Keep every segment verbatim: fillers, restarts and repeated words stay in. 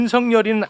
윤석열이는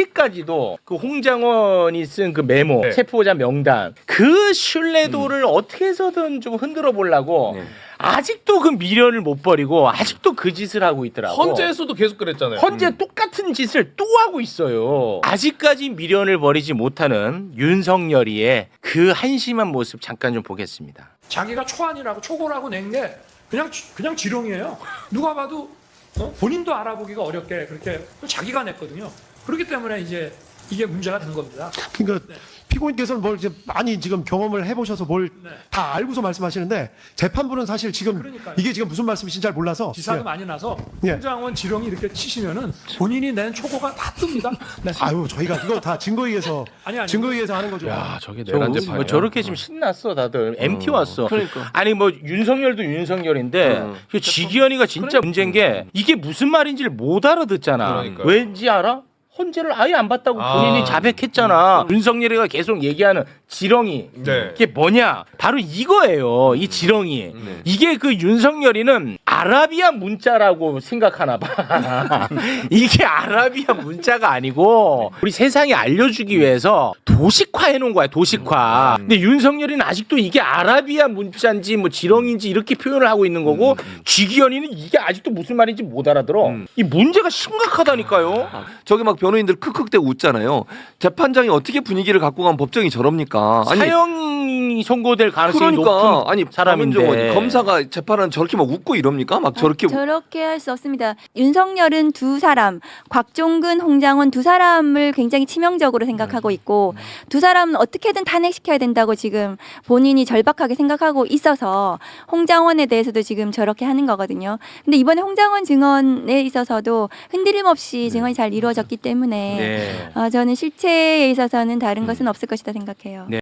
아직까지도 그 홍장원이 쓴 그 메모, 네. 체포자 명단 그 신뢰도를 음. 어떻게 해서든 좀 흔들어 보려고 네. 아직도 그 미련을 못 버리고 아직도 그 짓을 하고 있더라고. 헌재에서도 계속 그랬잖아요. 헌재 음. 똑같은 짓을 또 하고 있어요. 아직까지 미련을 버리지 못하는 윤석열이의 그 한심한 모습 잠깐 좀 보겠습니다. 자기가 초안이라고 초고라고 낸 게 그냥 그냥 지렁이에요. 누가 봐도 어? 본인도 알아보기가 어렵게 그렇게 자기가 냈거든요. 그렇기 때문에 이제 이게 문제가 된 겁니다. 그러니까 네. 피고인께서는 뭘 이제 많이 지금 경험을 해보셔서 뭘 다 네. 알고서 말씀하시는데 재판부는 사실 지금 그러니까요. 이게 지금 무슨 말씀이신지 잘 몰라서 기사도 예. 많이 나서 예. 홍장원 지렁이 이렇게 치시면은 본인이 낸 초고가 다 뜹니다. 네. 아유 저희가 이거 다 증거에 의해서 아니, 아니. 증거에 의해서 하는 거죠. 야, 저게 저, 내란 뭐 재판이야. 저렇게 지금 신났어 다들 엠티 왔어. 그러니까. 아니 뭐 윤석열도 윤석열인데 음. 그 지기현이가 진짜 문제인 게 이게 무슨 말인지를 못 알아듣잖아. 그러니까요. 왠지 알아? 헌재를 아예 안 봤다고 아. 본인이 자백했잖아. 윤석열이가 계속 얘기하는 지렁이. 네. 이게 뭐냐? 바로 이거예요. 이 지렁이. 네. 이게 그 윤석열이는 아라비아 문자라고 생각하나 봐. 이게 아라비아 문자가 아니고 우리 세상에 알려주기 위해서 도식화해 놓은 거야. 도식화. 근데 윤석열이는 아직도 이게 아라비아 문자인지 뭐 지렁이인지 이렇게 표현을 하고 있는 거고 쥐기현이는 이게 아직도 무슨 말인지 못 알아들어. 이 문제가 심각하다니까요. 저기 막 변호인들 크크대고 웃잖아요. 재판장이 어떻게 분위기를 갖고 가면 법정이 저럽니까? 아니 사형이 선고될 가능성이 그러니까 높은 아니 사람인데 박은정은 검사가 재판은 저렇게 막 웃고 이럽니까? 막 저렇게 아, 저렇게 할 수 없습니다. 윤석열은 두 사람, 곽종근, 홍장원 두 사람을 굉장히 치명적으로 생각하고 있고 두 사람은 어떻게든 탄핵시켜야 된다고 지금 본인이 절박하게 생각하고 있어서 홍장원에 대해서도 지금 저렇게 하는 거거든요. 근데 이번에 홍장원 증언에 있어서도 흔들림 없이 증언이 잘 이루어졌기 때문에 네. 어, 저는 실체에 있어서는 다른 것은 없을 것이다 생각해요. 네.